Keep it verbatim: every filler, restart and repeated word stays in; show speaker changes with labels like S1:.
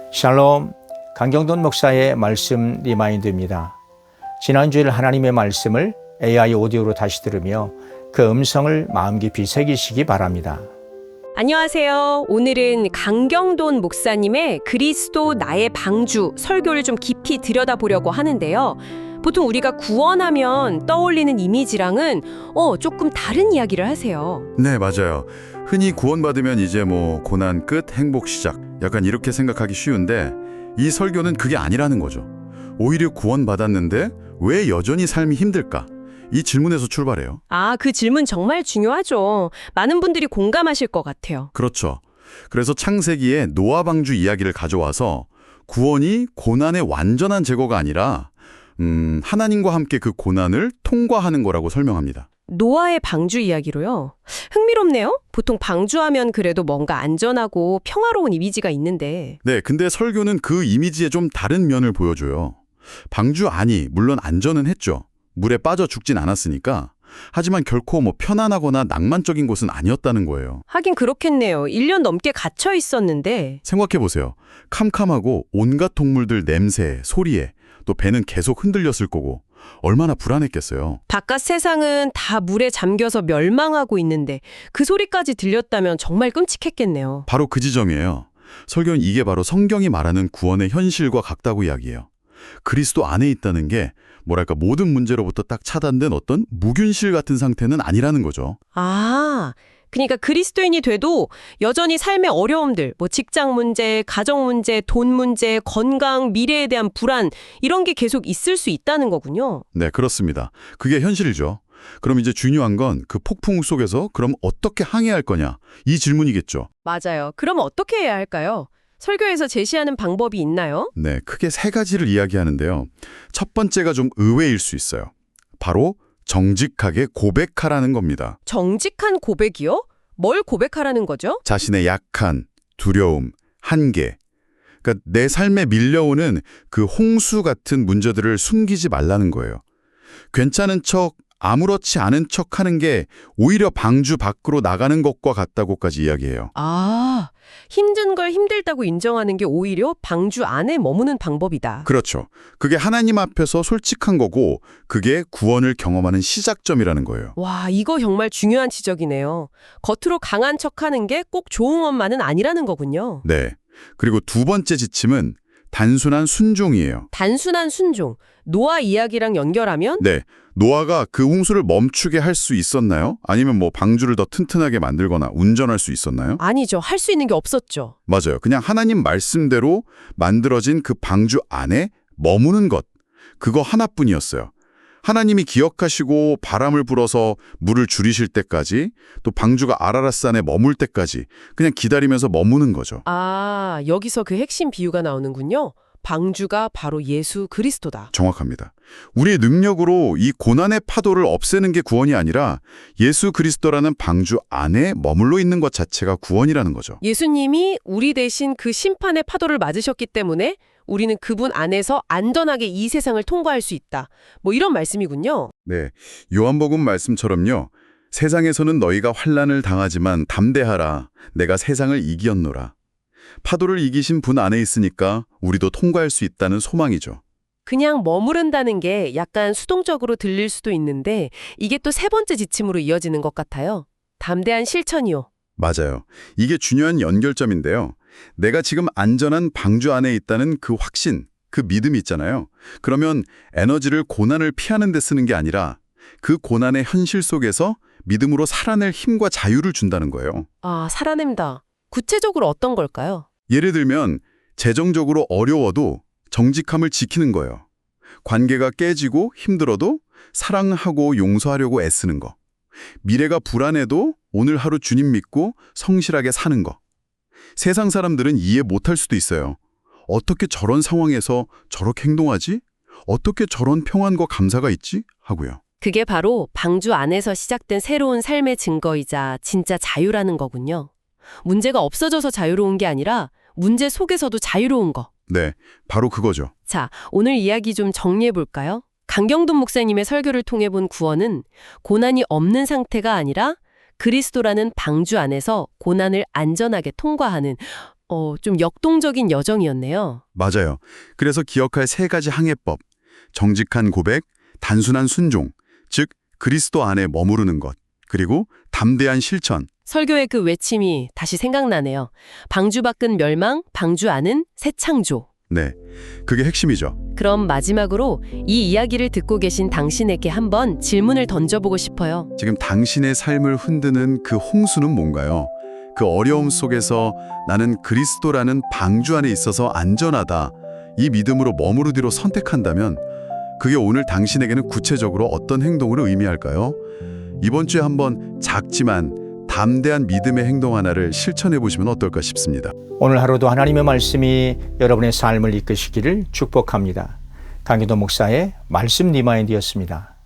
S1: 샬롬, 강경돈 목사의 말씀 리마인드입니다. 지난주일 하나님의 말씀을 에이아이 오디오로 다시 들으며 그 음성을 마음 깊이 새기시기 바랍니다.
S2: 안녕하세요. 오늘은 강경돈 목사님의 그리스도 나의 방주 설교를 좀 깊이 들여다보려고 하는데요. 보통 우리가 구원하면 떠올리는 이미지랑은 어, 조금 다른 이야기를 하세요.
S3: 네, 맞아요. 흔히 구원받으면 이제 뭐 고난 끝, 행복 시작. 약간 이렇게 생각하기 쉬운데 이 설교는 그게 아니라는 거죠. 오히려 구원받았는데 왜 여전히 삶이 힘들까? 이 질문에서 출발해요.
S2: 아, 그 질문 정말 중요하죠. 많은 분들이 공감하실 것 같아요.
S3: 그렇죠. 그래서 창세기에 노아 방주 이야기를 가져와서 구원이 고난의 완전한 제거가 아니라 음, 하나님과 함께 그 고난을 통과하는 거라고 설명합니다.
S2: 노아의 방주 이야기로요. 흥미롭네요. 보통 방주하면 그래도 뭔가 안전하고 평화로운 이미지가 있는데.
S3: 네, 근데 설교는 그 이미지의 좀 다른 면을 보여줘요. 방주 안이 물론 안전은 했죠. 물에 빠져 죽진 않았으니까. 하지만 결코 뭐 편안하거나 낭만적인 곳은 아니었다는 거예요.
S2: 하긴 그렇겠네요. 일 년 넘게 갇혀 있었는데.
S3: 생각해보세요. 캄캄하고 온갖 동물들 냄새에, 소리에, 또 배는 계속 흔들렸을 거고 얼마나 불안했겠어요.
S2: 바깥 세상은 다 물에 잠겨서 멸망하고 있는데 그 소리까지 들렸다면 정말 끔찍했겠네요.
S3: 바로 그 지점이에요. 설교는 이게 바로 성경이 말하는 구원의 현실과 같다고 이야기해요. 그리스도 안에 있다는 게 뭐랄까 모든 문제로부터 딱 차단된 어떤 무균실 같은 상태는 아니라는 거죠.
S2: 아, 그러니까 그리스도인이 돼도 여전히 삶의 어려움들, 뭐 직장 문제, 가정 문제, 돈 문제, 건강, 미래에 대한 불안 이런 게 계속 있을 수 있다는 거군요.
S3: 네, 그렇습니다. 그게 현실이죠. 그럼 이제 중요한 건 그 폭풍 속에서 그럼 어떻게 항해할 거냐? 이 질문이겠죠.
S2: 맞아요. 그럼 어떻게 해야 할까요? 설교에서 제시하는 방법이 있나요?
S3: 네, 크게 세 가지를 이야기하는데요. 첫 번째가 좀 의외일 수 있어요. 바로 정직하게 고백하라는 겁니다.
S2: 정직한 고백이요? 뭘 고백하라는 거죠?
S3: 자신의 약한, 두려움, 한계. 그러니까 내 삶에 밀려오는 그 홍수 같은 문제들을 숨기지 말라는 거예요. 괜찮은 척, 아무렇지 않은 척 하는 게 오히려 방주 밖으로 나가는 것과 같다고까지 이야기해요.
S2: 아, 힘든 걸 힘들다고 인정하는 게 오히려 방주 안에 머무는 방법이다.
S3: 그렇죠. 그게 하나님 앞에서 솔직한 거고 그게 구원을 경험하는 시작점이라는 거예요.
S2: 와, 이거 정말 중요한 지적이네요. 겉으로 강한 척하는 게 꼭 좋은 것만은 아니라는 거군요.
S3: 네. 그리고 두 번째 지침은 단순한 순종이에요.
S2: 단순한 순종. 노아 이야기랑 연결하면
S3: 네. 노아가 그 홍수를 멈추게 할 수 있었나요? 아니면 뭐 방주를 더 튼튼하게 만들거나 운전할 수 있었나요?
S2: 아니죠. 할 수 있는 게 없었죠.
S3: 맞아요. 그냥 하나님 말씀대로 만들어진 그 방주 안에 머무는 것. 그거 하나뿐이었어요. 하나님이 기억하시고 바람을 불어서 물을 줄이실 때까지 또 방주가 아라랏산에 머물 때까지 그냥 기다리면서 머무는 거죠.
S2: 아, 여기서 그 핵심 비유가 나오는군요. 방주가 바로 예수 그리스도다.
S3: 정확합니다. 우리의 능력으로 이 고난의 파도를 없애는 게 구원이 아니라 예수 그리스도라는 방주 안에 머물러 있는 것 자체가 구원이라는 거죠.
S2: 예수님이 우리 대신 그 심판의 파도를 맞으셨기 때문에 우리는 그분 안에서 안전하게 이 세상을 통과할 수 있다. 뭐 이런 말씀이군요.
S3: 네, 요한복음 말씀처럼요. 세상에서는 너희가 환난을 당하지만 담대하라. 내가 세상을 이기었노라. 파도를 이기신 분 안에 있으니까 우리도 통과할 수 있다는 소망이죠.
S2: 그냥 머무른다는 게 약간 수동적으로 들릴 수도 있는데 이게 또 세 번째 지침으로 이어지는 것 같아요. 담대한 실천이요.
S3: 맞아요. 이게 중요한 연결점인데요. 내가 지금 안전한 방주 안에 있다는 그 확신, 그 믿음이 있잖아요. 그러면 에너지를 고난을 피하는 데 쓰는 게 아니라 그 고난의 현실 속에서 믿음으로 살아낼 힘과 자유를 준다는 거예요.
S2: 아, 살아낸다. 구체적으로 어떤 걸까요?
S3: 예를 들면 재정적으로 어려워도 정직함을 지키는 거예요. 관계가 깨지고 힘들어도 사랑하고 용서하려고 애쓰는 거. 미래가 불안해도 오늘 하루 주님 믿고 성실하게 사는 거. 세상 사람들은 이해 못할 수도 있어요. 어떻게 저런 상황에서 저렇게 행동하지? 어떻게 저런 평안과 감사가 있지? 하고요.
S2: 그게 바로 방주 안에서 시작된 새로운 삶의 증거이자 진짜 자유라는 거군요. 문제가 없어져서 자유로운 게 아니라 문제 속에서도 자유로운 거.
S3: 네, 바로 그거죠.
S2: 자, 오늘 이야기 좀 정리해 볼까요? 강경돈 목사님의 설교를 통해 본 구원은 고난이 없는 상태가 아니라 그리스도라는 방주 안에서 고난을 안전하게 통과하는 어, 좀 역동적인 여정이었네요.
S3: 맞아요. 그래서 기억할 세 가지 항해법. 정직한 고백, 단순한 순종, 즉 그리스도 안에 머무르는 것, 그리고 담대한 실천.
S2: 설교의 그 외침이 다시 생각나네요. 방주 밖은 멸망, 방주 안은 새 창조.
S3: 네, 그게 핵심이죠.
S2: 그럼 마지막으로 이 이야기를 듣고 계신 당신에게 한번 질문을 던져보고 싶어요.
S3: 지금 당신의 삶을 흔드는 그 홍수는 뭔가요? 그 어려움 속에서 나는 그리스도라는 방주 안에 있어서 안전하다. 이 믿음으로 머무르기로 선택한다면 그게 오늘 당신에게는 구체적으로 어떤 행동을 의미할까요? 이번 주에 한번 작지만 담대한 믿음의 행동 하나를 실천해 보시면 어떨까 싶습니다.
S1: 오늘 하루도 하나님의 말씀이 여러분의 삶을 이끄시기를 축복합니다. 강기도 목사의 말씀 리마인드였습니다.